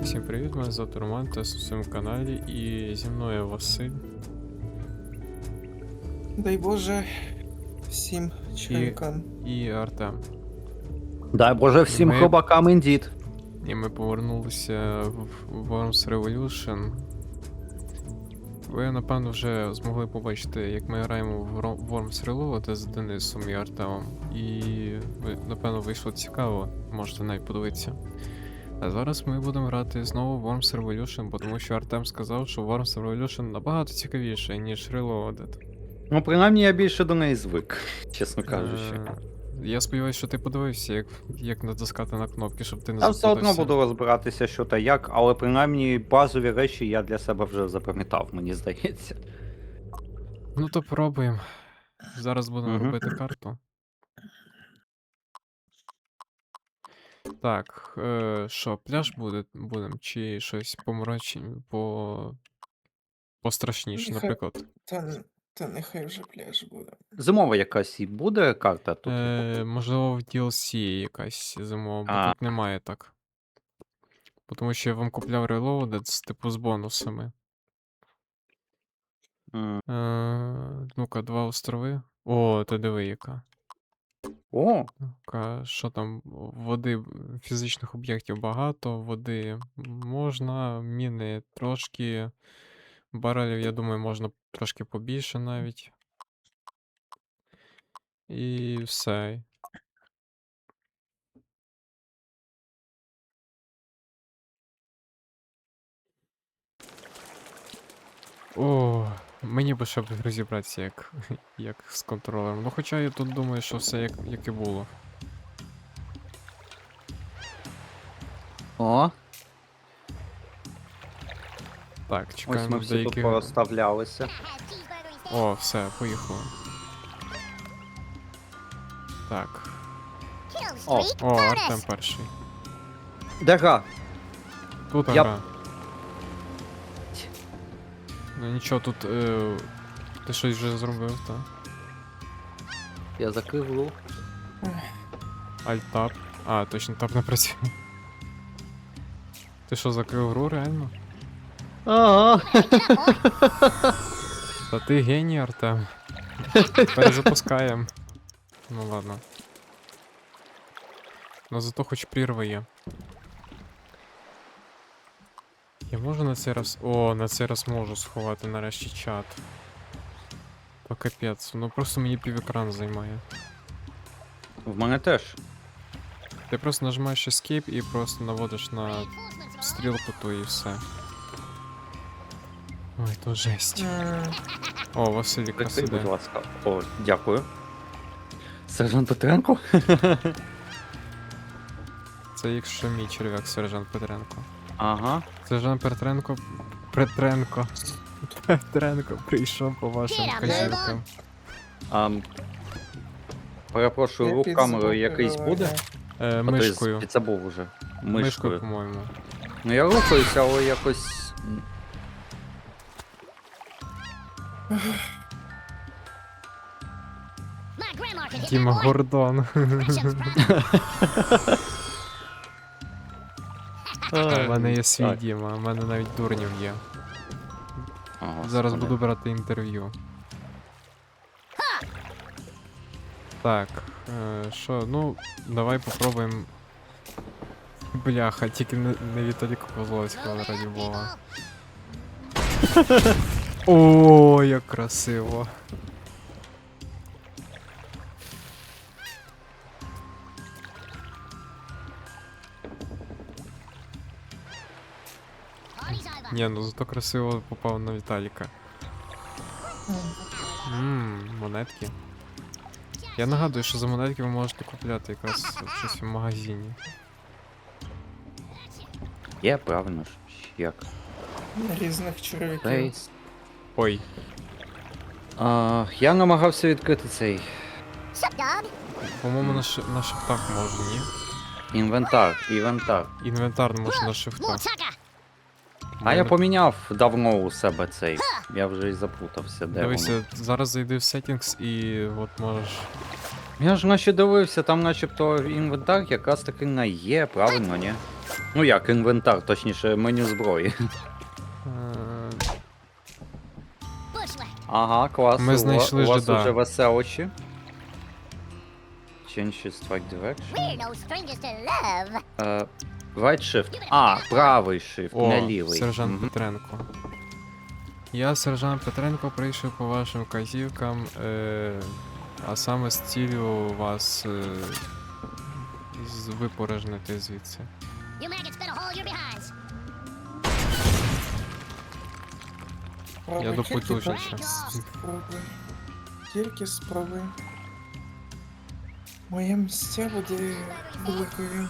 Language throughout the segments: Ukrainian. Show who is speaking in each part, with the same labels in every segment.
Speaker 1: Всім привіт, мене звати Роман, та на своєму каналі, і зі мною Василь
Speaker 2: Дай Боже всім чоловікам.
Speaker 1: і Артем.
Speaker 3: Дай Боже всім
Speaker 1: Ми-
Speaker 3: хробакам індіт.
Speaker 1: І ми повернулися в Worms Revolution. Ви, напевно, вже змогли побачити, як ми граємо в Worms Reloaded з Денисом і Артемом. І, напевно, вийшло цікаво, можете навіть подивитися. А зараз ми будемо грати знову в Worms Revolution, бо тому що Артем сказав, що Worms Revolution набагато цікавіше, ніж Reloaded.
Speaker 3: Ну, принаймні я більше до неї звик, чесно кажучи.
Speaker 1: Я сподіваюся, що ти подивився, як натискати на кнопки, щоб ти не
Speaker 3: Я все одно
Speaker 1: заплутався.
Speaker 3: буду розбиратися, що та як, але принаймні базові речі я для себе вже запам'ятав, мені здається.
Speaker 1: Ну то пробуємо. Зараз будемо
Speaker 3: Мгм.
Speaker 1: робити карту. Так, що, пляж будемо, чи щось пострашніше,
Speaker 2: Нехай-
Speaker 1: наприклад.
Speaker 2: Та нехай вже пляж буде.
Speaker 3: Зимова якась і буде карта тут?
Speaker 1: Можливо, в DLC якась зимова, бо
Speaker 3: А.
Speaker 1: тут немає так. Тому що я вам купляв Reloaded з бонусами.
Speaker 3: М.
Speaker 1: Ну-ка, 2 острови. О, ти диви яка.
Speaker 3: О,
Speaker 1: Ну-ка, що там? Води, фізичних об'єктів багато, води можна, міни трошки. Барелів, я думаю, можна трошки побільше навіть. І все. О, мені би ще б розібратися, як з контролером. Ну, хоча я тут думаю, що все як і було.
Speaker 3: о,
Speaker 1: Так,
Speaker 3: ось
Speaker 1: чекаємо
Speaker 3: ми всі тут
Speaker 1: деяких.
Speaker 3: порозставлялися.
Speaker 1: О, все, поїхали. Так.
Speaker 3: О,
Speaker 1: О, Артем перший.
Speaker 3: де гра?
Speaker 1: Тут
Speaker 3: Я-
Speaker 1: гра. Ну нічого, тут ти щось вже зробив, так?
Speaker 3: Я закрив гру.
Speaker 1: Alt-Tab. А, точно, таб не працює. Ти що, закрив гру, реально?
Speaker 3: Ага.
Speaker 1: Та ти геній, Артем. Перезапускаємо. Ну ладно. Ну зато хоч прірва є. Я можу на цей раз. О, на цей раз можу сховати нарешті чат. То капець, ну просто мені півекран займає.
Speaker 3: В мене теж.
Speaker 1: Ти просто нажимаєш Escape і просто наводиш на стрілку ту і все. Ой, то жесть. О, Василіка
Speaker 3: Прикрий, будь
Speaker 1: сиде.
Speaker 3: ласка. О, дякую. Сержант Петренко?
Speaker 1: Це якщо мій черв'як, сержант Петренко.
Speaker 3: Ага.
Speaker 1: Сержант Петренко прийшов по вашим казюкам.
Speaker 3: Перепрошую,
Speaker 2: Я
Speaker 3: рух
Speaker 2: під
Speaker 3: камерою
Speaker 2: звуки
Speaker 3: якийсь
Speaker 2: говорю.
Speaker 3: буде?
Speaker 1: Мишкою.
Speaker 3: Це був уже.
Speaker 1: Мишкою,
Speaker 3: Мишкою.
Speaker 1: по-моєму.
Speaker 3: Ну я рухаюся, але якось.
Speaker 1: Діма Гордон. У мене є свій
Speaker 3: Так.
Speaker 1: Діма, у мене навіть дурнів є.
Speaker 3: Ага,
Speaker 1: Зараз
Speaker 3: господи.
Speaker 1: буду брати інтерв'ю. Так, що, ну, давай попробуємо. Бляха, тільки не Віталіка Козловського, раді Бога. О, як красиво. Ні, ну зато красиво попав на Віталіка. Монетки. Я нагадую, що за монетки ви можете купляти якраз щось в магазині.
Speaker 3: Є, правильно ж. Як?
Speaker 2: Різних чоловіків.
Speaker 3: Фейс.
Speaker 1: Ой,
Speaker 3: Я намагався відкрити цей
Speaker 1: по-моєму, на шифтах можна, ні?
Speaker 3: інвентар.
Speaker 1: Інвентар можна на шифтах.
Speaker 3: А я поміняв давно у себе цей. Я вже і заплутався, де воно.
Speaker 1: Дивися, зараз зайди в settings і от можеш.
Speaker 3: Я ж наче дивився, там начебто інвентар якраз таки на є, правильно, ні? Ну як, інвентар, точніше, меню зброї. Ага, клас.
Speaker 1: Ми знайшли
Speaker 3: у вас
Speaker 1: жида.
Speaker 3: уже веселощі. Change strike direction.
Speaker 4: We're no strangers to love.
Speaker 3: Right shift. А, правий shift,
Speaker 1: О,
Speaker 3: не лівий.
Speaker 1: сержант
Speaker 3: Мгм.
Speaker 1: Петренко. Я, сержант Петренко, прийшов по вашим казівкам, а саме з цілею вас випорожнити звідси.
Speaker 4: You maggots better hold your behinds.
Speaker 2: Пробуй,
Speaker 1: Я
Speaker 2: тільки
Speaker 1: допотужніше.
Speaker 2: спробуй. Тільки спробуй. Моє місця буде великою.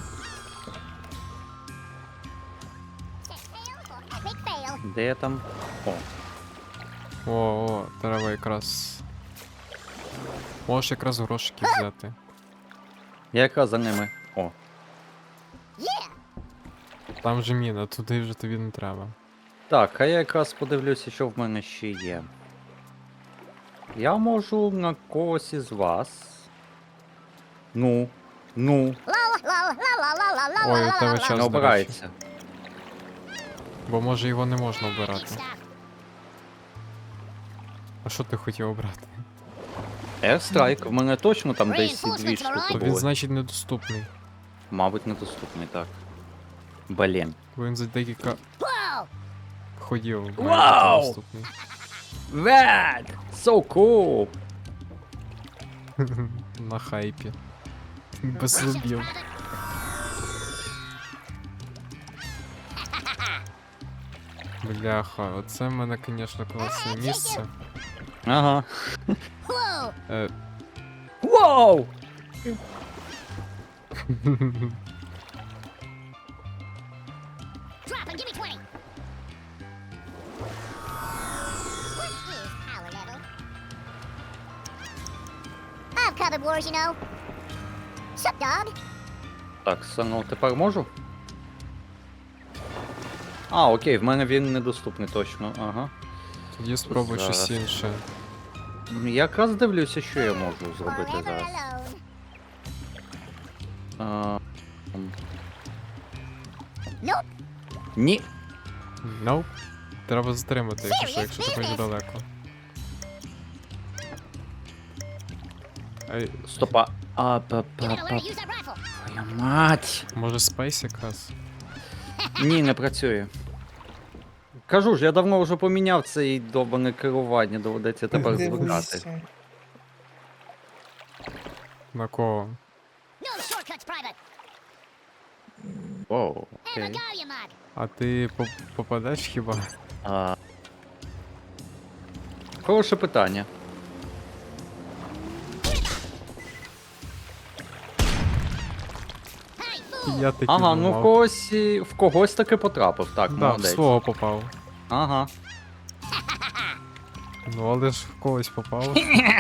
Speaker 4: Set sail for epic fail.
Speaker 3: Де я там? О,
Speaker 1: О, треба якраз. Можеш якраз грошики взяти.
Speaker 3: я якраз за ними. О.
Speaker 4: Yeah.
Speaker 1: Там же міна, туди вже тобі не треба.
Speaker 3: Так, а я якраз подивлюся, що в мене ще є. Я можу на когось із вас. Ну.
Speaker 4: Lol, lol, la la la la la
Speaker 1: Ой,
Speaker 4: la
Speaker 1: у тебе
Speaker 4: la
Speaker 1: час,
Speaker 3: Не
Speaker 1: до
Speaker 3: обирається.
Speaker 1: Бо може його не можна
Speaker 4: Keep
Speaker 1: обирати.
Speaker 4: stuff.
Speaker 1: А що ти хотів обрати?
Speaker 3: Airstrike, в мене точно там десь дві
Speaker 4: Reinforcements,
Speaker 3: штуки
Speaker 4: alright?
Speaker 1: То він,
Speaker 3: були.
Speaker 1: значить, недоступний.
Speaker 3: Мабуть, недоступний, так. Блін.
Speaker 1: Бо він за декілька
Speaker 4: Whoa.
Speaker 1: ходів має
Speaker 3: Вау!
Speaker 1: бути доступний.
Speaker 3: That! So cool!
Speaker 1: На хайпі. Без зубів. Бляха, оце в мене, звісно, класне місце.
Speaker 3: Ага.
Speaker 4: Whoa.
Speaker 1: Е,
Speaker 3: Вау!
Speaker 4: Drop and give me 20. What is power level? I've covered wars, you know. Sup, dog?
Speaker 3: Так, ну тепер можу? А, окей, в мене він недоступний точно, ага.
Speaker 1: Тоді спробуй щось
Speaker 3: Зараз.
Speaker 1: інше.
Speaker 3: Якраз дивлюся, що я можу зробити
Speaker 4: Forever
Speaker 3: зараз.
Speaker 4: alone.
Speaker 3: А,
Speaker 4: Nope.
Speaker 3: ні.
Speaker 1: Nope. Треба затримати, якщо що, якщо ти хочеш
Speaker 4: Serious
Speaker 1: далеко. Ей,
Speaker 3: Стопа. А,
Speaker 4: You gotta learn to use that rifle.
Speaker 3: Твоя мать!
Speaker 1: може спейс якраз?
Speaker 3: Ні, не працює. Кажу ж, я давно вже поміняв цей довбане керування, доведеться тепер звикати.
Speaker 2: Дивися.
Speaker 1: На кого?
Speaker 4: No shortcuts, private.
Speaker 3: Оу,
Speaker 4: Have a
Speaker 3: окей.
Speaker 4: go, you mug.
Speaker 1: А ти попадеш хіба?
Speaker 3: А... Хороше питання.
Speaker 4: Hey, fool.
Speaker 1: Я таки
Speaker 3: Ага, ну
Speaker 1: думав.
Speaker 3: в когось таки потрапив, так,
Speaker 1: Да, в
Speaker 3: молодець.
Speaker 1: свого попав.
Speaker 3: Ага.
Speaker 1: Ну, але ж в когось попав.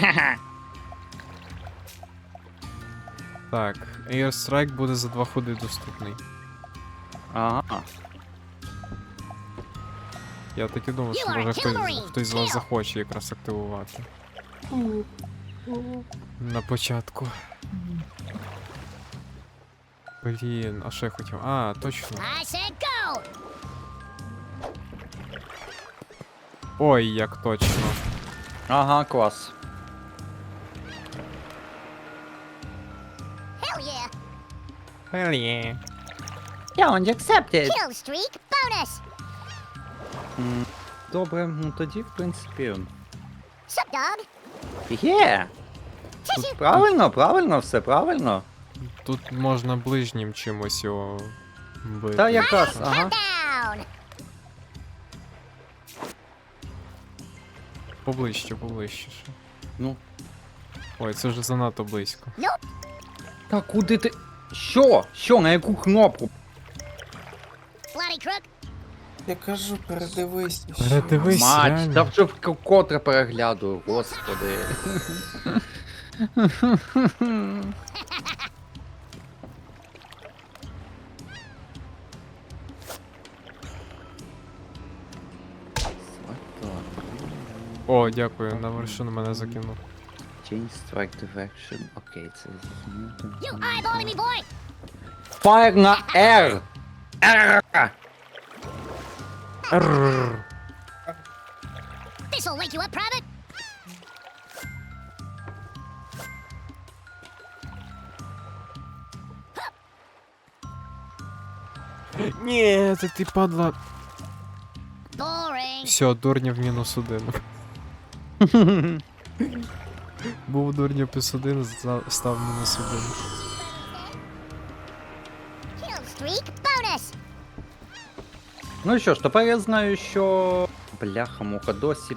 Speaker 1: Так, Airstrike буде за 2 ходи доступний.
Speaker 3: Ага.
Speaker 1: Я так і думав, що
Speaker 4: You are
Speaker 1: може
Speaker 4: a kill marine.
Speaker 1: хтось з вас
Speaker 4: Kill.
Speaker 1: захоче якраз активувати. На початку. Блін, а що я хотів? А, точно.
Speaker 4: I said go.
Speaker 1: Ой, як точно.
Speaker 3: Ага, клас.
Speaker 4: Hell yeah.
Speaker 1: Хелі.
Speaker 3: Challenge accepted.
Speaker 4: Kill streak bonus.
Speaker 3: Добре, ну тоді, в принципі.
Speaker 4: Sup, dog?
Speaker 3: Є!
Speaker 4: Tissue.
Speaker 3: Тут правильно, все правильно.
Speaker 1: Тут можна ближнім чимось його бити.
Speaker 3: Та якраз, ага.
Speaker 4: Down.
Speaker 1: Поближче, поближче. ще.
Speaker 3: Ну.
Speaker 1: Ой, це вже занадто близько.
Speaker 4: Nope.
Speaker 3: Та куди ти. Що? Що, на яку кнопку?
Speaker 4: Bloody crook.
Speaker 2: Я кажу, передивись. ще.
Speaker 1: Передивись.
Speaker 3: Мать,
Speaker 1: реально.
Speaker 3: та вже вкотре переглядую, господи.
Speaker 1: О, дякую, на вершину мене закинув.
Speaker 3: Change strike direction. Окей, це зрозуміло.
Speaker 4: You eyeballing me, boy?
Speaker 3: Fire на R!
Speaker 4: This'll wake you up, Private.
Speaker 1: Ні, це ти падла.
Speaker 4: Boring.
Speaker 1: Все, дурнів мінус 1. Був дурнів плюс 1, став мінус 1.
Speaker 4: Kill streak bonus.
Speaker 3: Ну що ж, тепер я знаю, що. Бляха-муха, досі.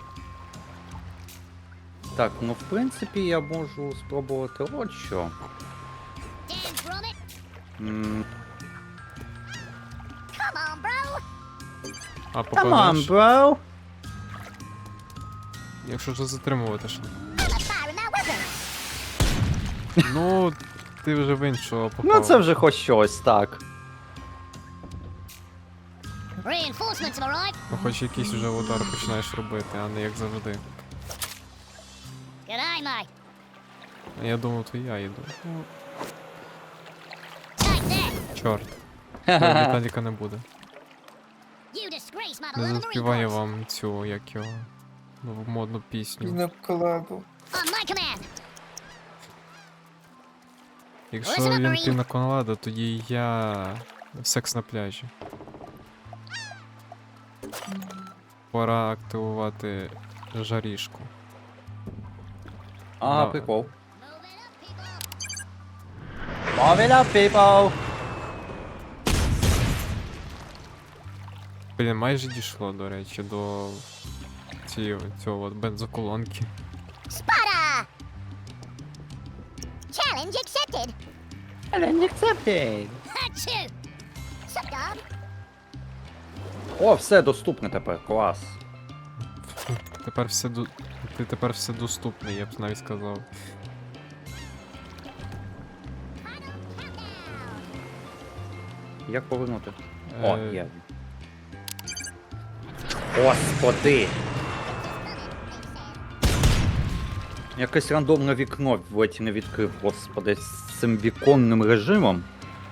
Speaker 3: Так, ну в принципі я можу спробувати от що.
Speaker 4: Dan Gromit.
Speaker 3: М,
Speaker 4: Come on, bro.
Speaker 1: А
Speaker 3: Come on,
Speaker 1: попадеш,
Speaker 3: bro!
Speaker 1: якщо ж затримувати що.
Speaker 4: I'm a fire in that weapon.
Speaker 1: Ну, ти вже в іншого попав.
Speaker 3: Ну це вже хоч щось, так.
Speaker 4: Reinforcements have arrived.
Speaker 1: Ну, хоч якийсь вже удар починаєш робити, а не як завжди.
Speaker 4: G'day, mate.
Speaker 1: А я думав, то я йду.
Speaker 4: Take that.
Speaker 1: Чорт. Віталіка не буде.
Speaker 4: You disgrace my
Speaker 1: Не
Speaker 4: beloved
Speaker 1: заспіває
Speaker 4: Marine Corps.
Speaker 1: вам цю, як його, нову модну пісню.
Speaker 2: Піноколаду.
Speaker 4: On my command.
Speaker 1: Якщо він пінаколада, тоді я секс на пляжі. Пора активувати жарішку.
Speaker 3: Ага,
Speaker 1: Да.
Speaker 3: прикол.
Speaker 4: Move it up, people.
Speaker 3: Move it up, people!
Speaker 1: Блін, майже дійшло, до речі, до цього от бензоколонки.
Speaker 4: Spada. Challenge accepted.
Speaker 3: Challenge accepted!
Speaker 4: Achoo. Sup, dog?
Speaker 3: О, все доступне тепер, клас.
Speaker 1: Тепер все ти тепер все доступне, я б навіть сказав.
Speaker 3: Як повернути? О,
Speaker 1: Е,
Speaker 3: є. Господи! Якесь рандомне вікно ледь не відкрив, господи, з цим віконним режимом.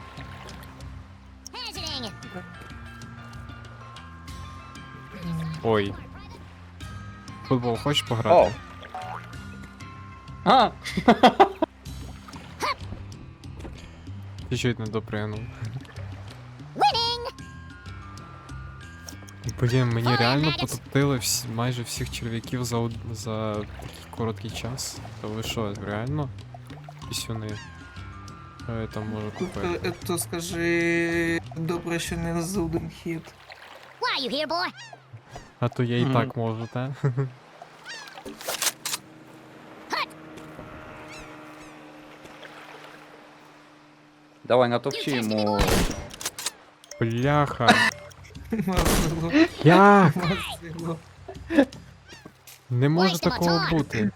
Speaker 4: Hazarding.
Speaker 1: Ой. Футбол хочеш
Speaker 3: О!
Speaker 1: пограти?
Speaker 3: А!
Speaker 1: Чуть-чуть не допригнув.
Speaker 4: Winning.
Speaker 1: Блін, мені
Speaker 4: Ой,
Speaker 1: реально
Speaker 4: Медікс.
Speaker 1: потоптили майже всіх черв'яків за такий короткий час. Та ви що, реально? Пісюни. Що я там можу купити?
Speaker 2: То скажи, добре, що не за один хід.
Speaker 4: Why are you here, boy?
Speaker 1: А то я і
Speaker 3: Мгм.
Speaker 1: так можу, та?
Speaker 3: Давай натовчи йому.
Speaker 1: Бляха.
Speaker 2: Мазило,
Speaker 1: Як?
Speaker 2: мазило.
Speaker 1: Не може
Speaker 4: Ой,
Speaker 1: такого
Speaker 4: Тиматор.
Speaker 1: бути.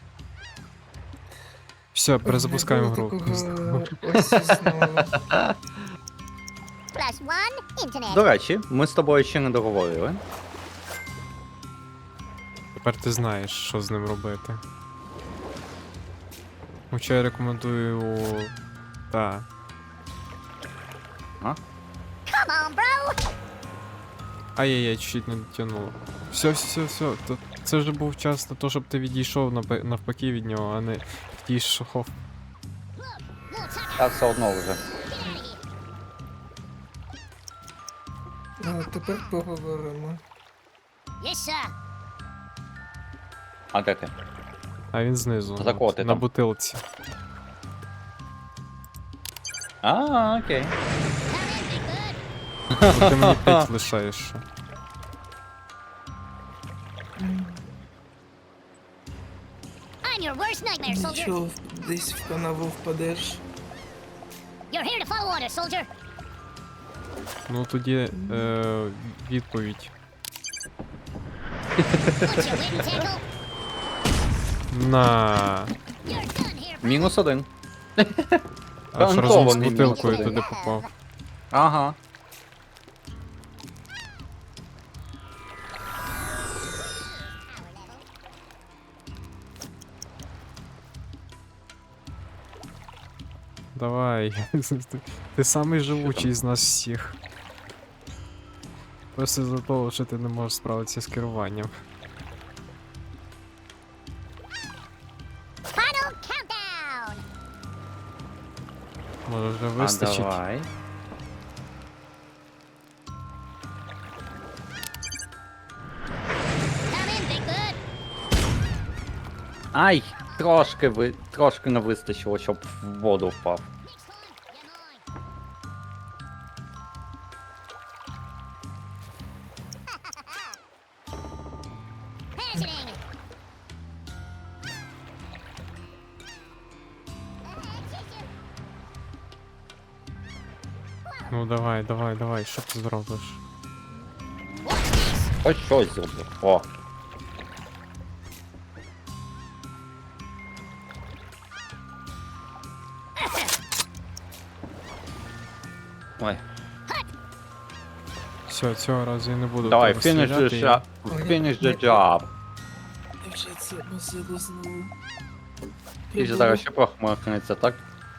Speaker 1: Все, перезапускаємо
Speaker 2: Не було
Speaker 1: гру.
Speaker 2: такого ось знову.
Speaker 4: Plus one internet.
Speaker 3: До речі, ми з тобою ще не договорили.
Speaker 1: Тепер ти знаєш, що з ним робити. Хоча я рекомендую. Та.
Speaker 4: Come on, bro.
Speaker 1: Ай-яй-яй, чуть не дотягнуло. Все. Це вже був час на те, щоб ти відійшов навпаки від нього, а не відійшов.
Speaker 4: Look, we'll tuck
Speaker 3: Так все одно вже.
Speaker 4: Get out of here.
Speaker 2: А тепер поговоримо.
Speaker 4: Yes, sir.
Speaker 3: А де ти?
Speaker 1: А він знизу.
Speaker 3: За кого
Speaker 1: от,
Speaker 3: ти
Speaker 1: на
Speaker 3: там?
Speaker 1: бутилці.
Speaker 3: А, окей.
Speaker 4: Come in, big bird.
Speaker 1: Бо ти мені 5 лишаєш ще.
Speaker 4: I'm your worst nightmare, soldier.
Speaker 2: Нічого, десь в канаву впадеш.
Speaker 4: You're here to follow orders, soldier.
Speaker 1: Ну тоді відповідь.
Speaker 4: What's your wit and tackle?
Speaker 1: На.
Speaker 4: You're done here, bro.
Speaker 3: Мінус один.
Speaker 1: Аж разом з
Speaker 3: Гарантований
Speaker 1: бутилкою
Speaker 4: мінус.
Speaker 1: туди попав.
Speaker 3: Ага.
Speaker 1: Давай. Ти самий живучий з нас всіх. Просто за того, що ти не можеш справитися з керуванням.
Speaker 4: Final countdown.
Speaker 1: Може вже
Speaker 3: А
Speaker 1: вистачить.
Speaker 3: давай.
Speaker 4: Come in, Big Bird.
Speaker 3: Ай! Трошки не вистачило, щоб в воду впав.
Speaker 4: Next time, you're mine. Hazarding.
Speaker 1: Ну давай, що ти зробиш?
Speaker 4: Watch this.
Speaker 3: Ось щось зроблю. О. Ой.
Speaker 1: Все, цього разу я не буду. в
Speaker 3: Давай,
Speaker 1: тебе
Speaker 3: finish the
Speaker 1: стріляти,
Speaker 3: shot. Finish the job.
Speaker 2: Я вже це носило знову.
Speaker 3: Ти ж зараз ще похмахнеться, так?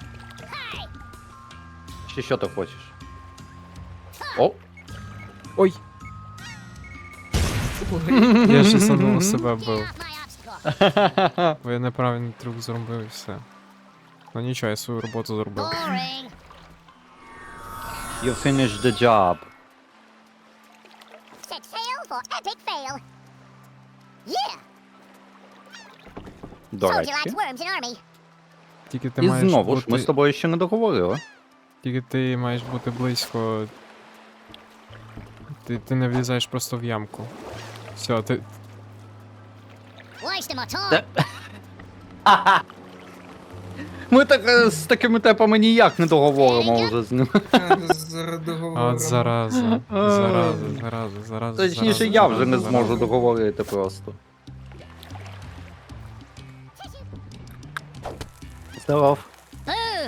Speaker 3: Чи що ти хочеш? О!
Speaker 1: Ой,
Speaker 2: Ой,
Speaker 1: я ще самого себе
Speaker 4: Get
Speaker 1: бив.
Speaker 4: off my obstacle.
Speaker 1: Бо я неправильний трюк зробив і все. Ну нічого, я свою роботу зробив.
Speaker 4: Boring.
Speaker 3: You finished the job.
Speaker 4: Set sail for epic fail. Yeah.
Speaker 3: До
Speaker 4: Soldier
Speaker 3: речі.
Speaker 4: likes worms in army.
Speaker 1: Тільки ти
Speaker 3: І
Speaker 1: маєш
Speaker 3: знову ж, ми з
Speaker 1: бути.
Speaker 3: тобою ще не договорили.
Speaker 1: Тільки ти маєш бути близько. Ти не влізаєш просто в ямку. Все, ти.
Speaker 4: Wasting my time.
Speaker 3: Та- Ми так з такими темпами ніяк не договоримо вже з ним.
Speaker 2: зараз договоримо.
Speaker 1: От зараза. Зараза.
Speaker 3: Точніше, я вже не зможу договорити просто. Здоров.
Speaker 4: Boom.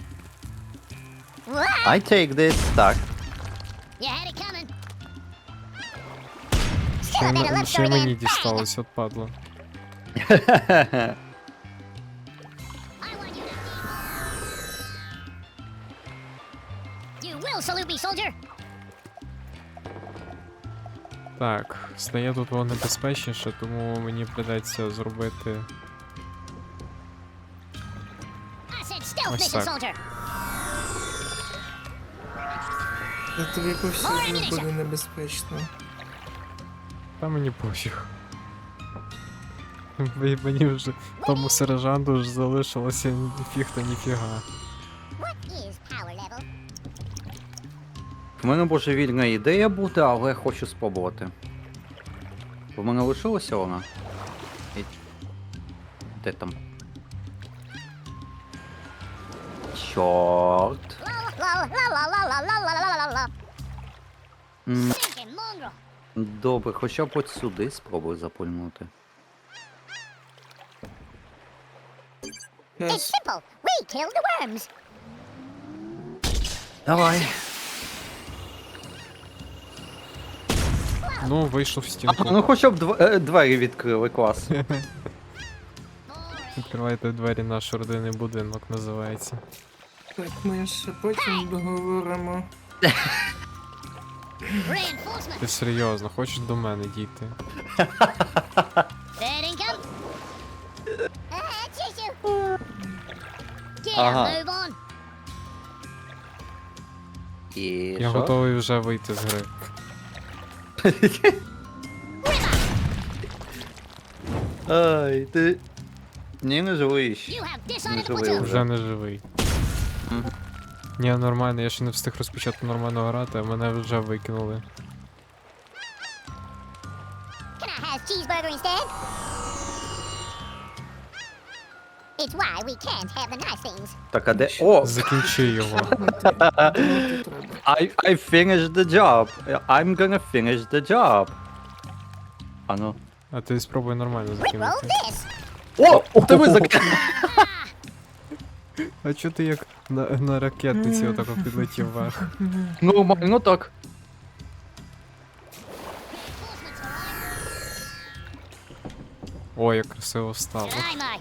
Speaker 4: What?
Speaker 3: I take this. Так.
Speaker 4: You had it coming.
Speaker 1: Ще,
Speaker 4: Still a better love
Speaker 1: ще
Speaker 4: story
Speaker 1: мені
Speaker 4: than bang.
Speaker 1: дісталось, от падло.
Speaker 4: I want you to You will salute me, soldier.
Speaker 1: Так, стає тут воно небезпечніше, тому мені придеться зробити.
Speaker 4: I said stealth
Speaker 1: What's
Speaker 4: mission,
Speaker 1: that?
Speaker 4: soldier.
Speaker 2: Та тобі повсюди буде небезпечно.
Speaker 1: Та мені пофіг. Мені вже тому сержанту ж залишилося ніфіг та ніфіга.
Speaker 4: What is power level?
Speaker 3: В мене божевільна ідея бути, але хочу спробувати. В мене лишилася вона. І... Де там? Чорт.
Speaker 4: La la la la la la la la la la.
Speaker 3: М,
Speaker 4: Stinking mongrel.
Speaker 3: Добре, хоча б от сюди спробую запульнути.
Speaker 4: It's simple. We killed the worms.
Speaker 3: Давай.
Speaker 1: Ну, вийшов в стінку.
Speaker 3: Ну хоча б двері відкрили, клас.
Speaker 4: Boring.
Speaker 1: Відкривайте двері, наш родинний будинок називається.
Speaker 2: Так, ми ще потім договоримо.
Speaker 4: Reinforcement.
Speaker 1: Ти серйозно, хочеш до мене дійти?
Speaker 4: Fair income. Tissue. Get
Speaker 3: Ага.
Speaker 4: a move on.
Speaker 3: І
Speaker 1: Я
Speaker 3: що?
Speaker 1: готовий вже вийти з гри.
Speaker 3: Ай, ти... Ні, не живиш.
Speaker 4: You have
Speaker 3: Не
Speaker 4: decided
Speaker 3: живий
Speaker 4: what to.
Speaker 1: Вже не живий. Ні, нормально, я ще не встиг розпочати нормально грати, а мене вже викинули.
Speaker 4: Can I have cheeseburger instead? It's why we can't have the nice things.
Speaker 3: Так, а де... О!
Speaker 1: Закінчи його.
Speaker 2: Думати треба.
Speaker 3: I finished the job. I'm gonna finish the job. А ну.
Speaker 1: А ти спробуй нормально
Speaker 4: Rickroll
Speaker 1: закинути.
Speaker 4: this.
Speaker 3: О! Ти ви
Speaker 1: А чо ти як на ракетниці отако підлетів вверх?
Speaker 3: Нормально так.
Speaker 4: Reinforcements arrive.
Speaker 1: Ой, як красиво встало.
Speaker 4: Aye, mate.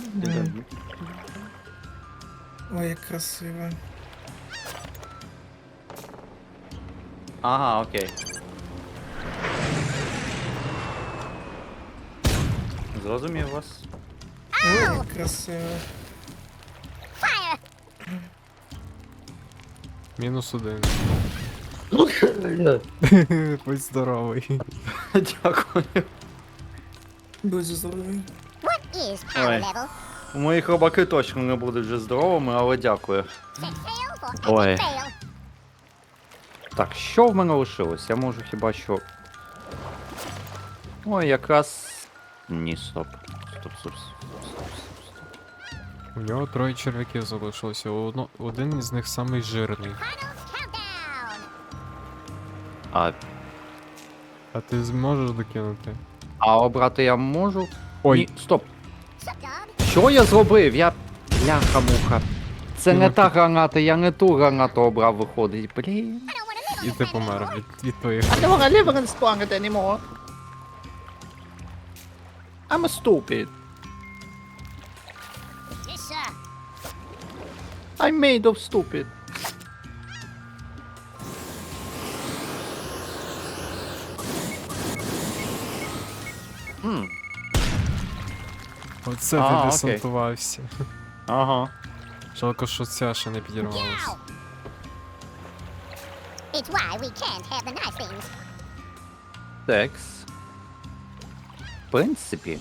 Speaker 2: Ой, як красиво.
Speaker 3: Ага, окей. Зрозумів вас.
Speaker 2: Ой, красиво.
Speaker 4: Fire!
Speaker 1: -1. Будь здоровий.
Speaker 3: Дякую.
Speaker 2: Будь здоровий.
Speaker 4: What is power
Speaker 3: Ой.
Speaker 4: level?
Speaker 3: Мої хробаки точно не будуть вже здоровими, але дякую.
Speaker 4: Set sail for
Speaker 3: Ой.
Speaker 4: epic fail.
Speaker 3: Так, що в мене лишилось? Я можу хіба що. Ой, якраз. Ні, стоп. Стоп.
Speaker 1: У нього 3 черв'яків залишилося. Один із них самий жирний.
Speaker 4: Final countdown.
Speaker 3: А
Speaker 1: А ти зможеш докинути?
Speaker 3: обрати я можу?
Speaker 1: Ой.
Speaker 3: Ні, стоп.
Speaker 4: Sup, dog?
Speaker 3: Що я зробив? Бляха-муха. Це не та граната, я не ту гранату обрав, виходить. Блін.
Speaker 4: I don't want to live
Speaker 1: І
Speaker 4: on
Speaker 1: ти
Speaker 4: this planet
Speaker 1: помер
Speaker 4: anymore.
Speaker 1: від твоїх.
Speaker 3: I don't wanna live in Spawn anymore. I'm stupid.
Speaker 4: Yes, sir.
Speaker 3: I'm made of stupid.
Speaker 1: Оце
Speaker 3: А,
Speaker 1: ти
Speaker 3: окей.
Speaker 1: десантувався.
Speaker 3: Ага.
Speaker 1: Жалко, що ця ще не підірвалася.
Speaker 4: Yow! It's why we can't have the nice things.
Speaker 3: Текс. В принципі.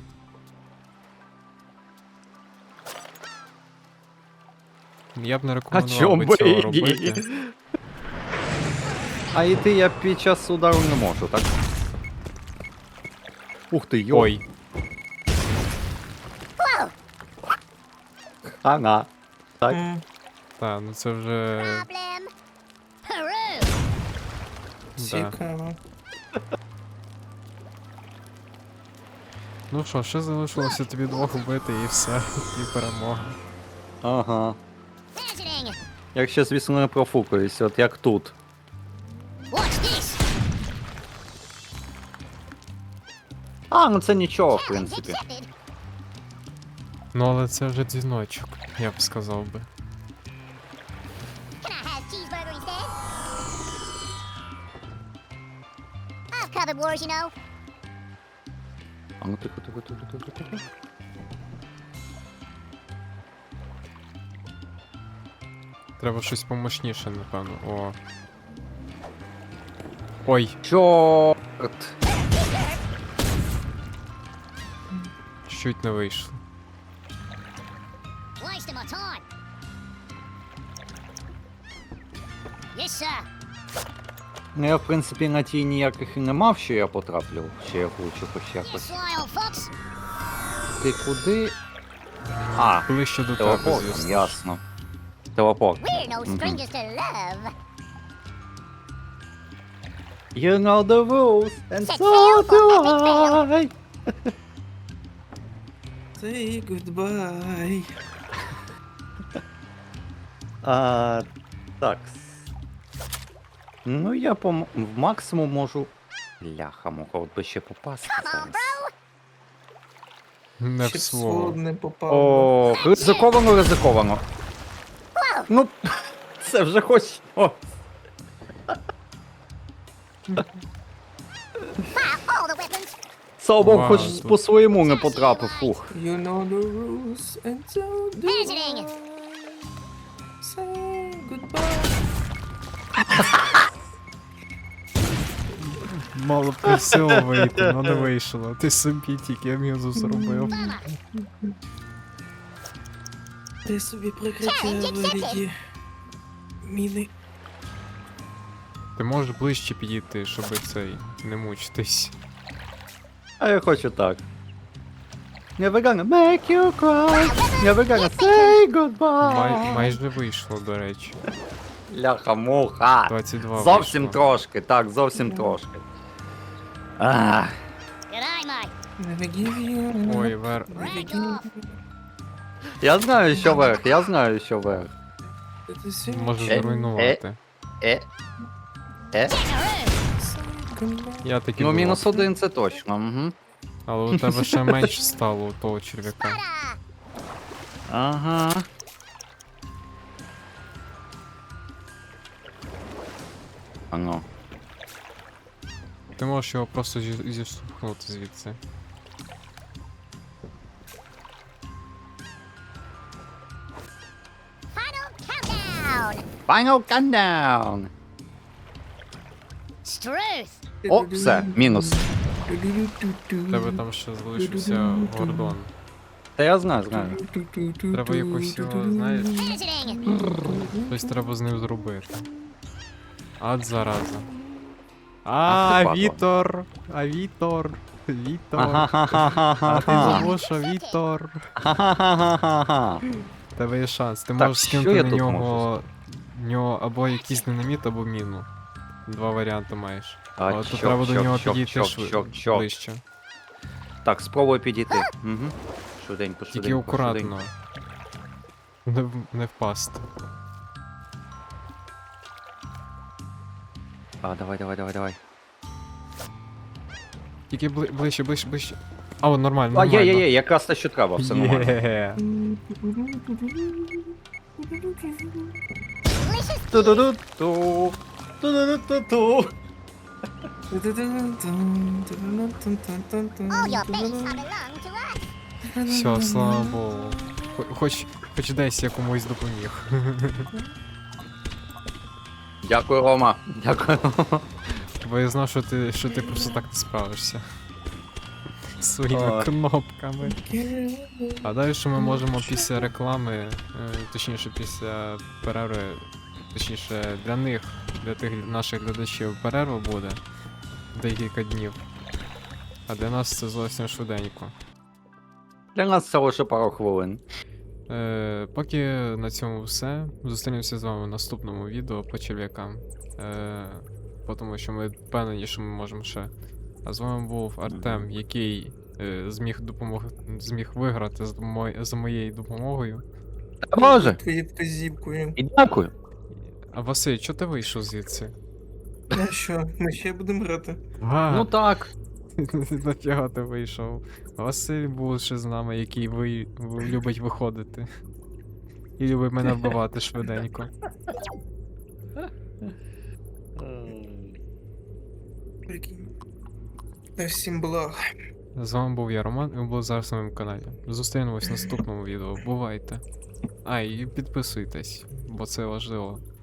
Speaker 1: Я б не
Speaker 3: А
Speaker 1: рекомендував
Speaker 3: чом
Speaker 1: би
Speaker 3: би
Speaker 1: цього
Speaker 3: і
Speaker 1: робити.
Speaker 3: ні? А йти я під час удару не можу, так? Ух ти, йо.
Speaker 1: Ой,
Speaker 4: Whoa!
Speaker 3: Ага. Так.
Speaker 2: М,
Speaker 1: та, ну це вже.
Speaker 4: Problem. Peru.
Speaker 1: Да.
Speaker 2: Цікаво.
Speaker 1: Ну що, ще залишилося тобі 2 вбити і все, і перемога.
Speaker 3: Ага.
Speaker 4: Visiting.
Speaker 3: Якщо, звісно, не профукаюсь, от як тут.
Speaker 4: Watch this.
Speaker 3: А, ну це нічого, в
Speaker 4: Challenge
Speaker 3: принципі.
Speaker 4: accepted.
Speaker 1: Ну але це вже дзвіночок, я б сказав би.
Speaker 4: Can I have cheeseburger instead? I've covered wars, you know.
Speaker 3: А ну тихо.
Speaker 1: Треба щось помощніше, напевно. О. Ой,
Speaker 3: Чорт.
Speaker 1: чуть не вийшло.
Speaker 4: Wasting my time. Yes, sir.
Speaker 3: Ну я, в принципі, на тій ніяких і не мав, що я потраплю, що я влучу хоч
Speaker 4: You
Speaker 3: якось.
Speaker 4: sly old fox.
Speaker 3: Ти куди? А,
Speaker 1: Ближче до тебе,
Speaker 3: телепортом,
Speaker 1: звісно.
Speaker 3: ясно. Телепорт.
Speaker 4: We're no
Speaker 3: Mhm.
Speaker 4: strangers to love.
Speaker 3: You know the rules, and
Speaker 4: Set
Speaker 3: so
Speaker 4: sail for
Speaker 3: do
Speaker 4: epic
Speaker 3: I.
Speaker 2: Say goodbye.
Speaker 3: Так. Ну я в максимум можу. Ляха-муха, от би ще попасти
Speaker 4: Come on,
Speaker 3: зараз.
Speaker 4: bro.
Speaker 1: Не
Speaker 2: Ще
Speaker 1: в
Speaker 2: в
Speaker 1: слово.
Speaker 2: свод не попав.
Speaker 3: О, ризиковано. Ну, це вже хоч. О,
Speaker 4: Fire all the weapons.
Speaker 3: слава Богу,
Speaker 1: Вау,
Speaker 3: хоч
Speaker 1: тут-
Speaker 3: по своєму не потрапив. Фух.
Speaker 2: You know the rules and so do
Speaker 4: Visiting.
Speaker 2: I. Say goodbye.
Speaker 1: Мало просило вийти, але не вийшло. Ти собі тільки мінус зробив.
Speaker 4: Bummer.
Speaker 2: Ти собі прикриття
Speaker 4: Challenge accepted.
Speaker 2: вивіді. Міни.
Speaker 1: Ти можеш ближче підійти, щоб цей не мучитись.
Speaker 3: А я хочу так. Never gonna make you cry. Never gonna say goodbye.
Speaker 1: Майже вийшло, до речі.
Speaker 3: Ляха-муха.
Speaker 1: 22
Speaker 3: Зовсім
Speaker 1: вийшло.
Speaker 3: трошки, так, зовсім трошки. Ах.
Speaker 4: Good eye, mate.
Speaker 2: Never give you.
Speaker 1: Ой, вер.
Speaker 2: Never
Speaker 4: Rag
Speaker 2: give
Speaker 4: off.
Speaker 3: Я знаю, що верх, я знаю, що верх.
Speaker 2: Це все.
Speaker 1: Можеш
Speaker 3: Е,
Speaker 1: зруйнувати.
Speaker 4: Kangaroo.
Speaker 1: Я таки
Speaker 3: Ну,
Speaker 1: думав.
Speaker 3: -1 це точно, угу.
Speaker 1: Але у тебе ще менше стало у того черв'яка.
Speaker 4: Butter.
Speaker 3: Ага. А ну.
Speaker 1: Ти можеш його просто зіштовхнути звідси.
Speaker 3: Final countdown!
Speaker 4: Struth!
Speaker 3: О, все, мінус.
Speaker 1: В тебе там ще залишився Гордон.
Speaker 3: Та я знаю.
Speaker 1: Треба якось його, знаєш,
Speaker 4: Visiting!
Speaker 1: щось треба з ним зробити. Ад зараза.
Speaker 3: Ах ти, падла.
Speaker 1: Вітор! Вітор! А ти
Speaker 3: Ага.
Speaker 1: забуша, Вітор!
Speaker 3: Ха-ха-ха-ха-ха.
Speaker 1: В тебе є шанс. Ти
Speaker 3: Так,
Speaker 1: можеш
Speaker 3: що
Speaker 1: скинути
Speaker 3: я
Speaker 1: на
Speaker 3: тут
Speaker 1: нього або якийсь динаміт, або міну. Два варіанти маєш.
Speaker 3: А,
Speaker 1: Але тут
Speaker 3: чок,
Speaker 1: треба до
Speaker 3: чок,
Speaker 1: нього
Speaker 3: чок,
Speaker 1: підійти
Speaker 3: чок.
Speaker 1: ближче.
Speaker 3: Так, спробую підійти. Угу. Швиденько,
Speaker 1: Тільки
Speaker 3: швиденько.
Speaker 1: акуратно. Не впасти.
Speaker 3: А, давай.
Speaker 1: Тільки ближче. А, о, нормально,
Speaker 3: А,
Speaker 1: нормально.
Speaker 3: є, якраз те, що треба, все нормально.
Speaker 1: Є.
Speaker 4: Delicious!
Speaker 3: Ту-ду-ду-ту. Ту-ду-ду-ту-ту.
Speaker 4: All your base have belonged to us!
Speaker 1: Все, слава Богу. Хоч десь я комусь допоміг.
Speaker 3: Дякую, Рома. Дякую.
Speaker 1: Бо я знав, що ти просто так не справишся. Своїми
Speaker 3: Ой.
Speaker 1: кнопками. А далі що ми можемо після реклами, точніше після перерви, точніше для тих наших глядачів перерва буде декілька днів. А для нас це зовсім швиденько.
Speaker 3: Для нас це лише пару хвилин.
Speaker 1: Поки на цьому все. Зустрінемося з вами в наступному відео по черв'якам. Тому що ми впевнені, що ми можемо ще. А з вами був Артем, який зміг виграти за моєю допомогою.
Speaker 3: Та може.
Speaker 2: Твоєю вказівкою.
Speaker 3: І дякую.
Speaker 1: А Василь, чого ти вийшов звідси?
Speaker 2: А що, ми ще будемо грати?
Speaker 3: Ну так.
Speaker 1: Нафіга ти вийшов? Василь був ще з нами, який любить виходити. І любить мене вбивати швиденько.
Speaker 2: Прикинь. Та всім благ.
Speaker 1: З вами був я, Роман, і ви були зараз на моєму каналі. Зустрінемось в наступному відео. Бувайте. А, і підписуйтесь, бо це важливо.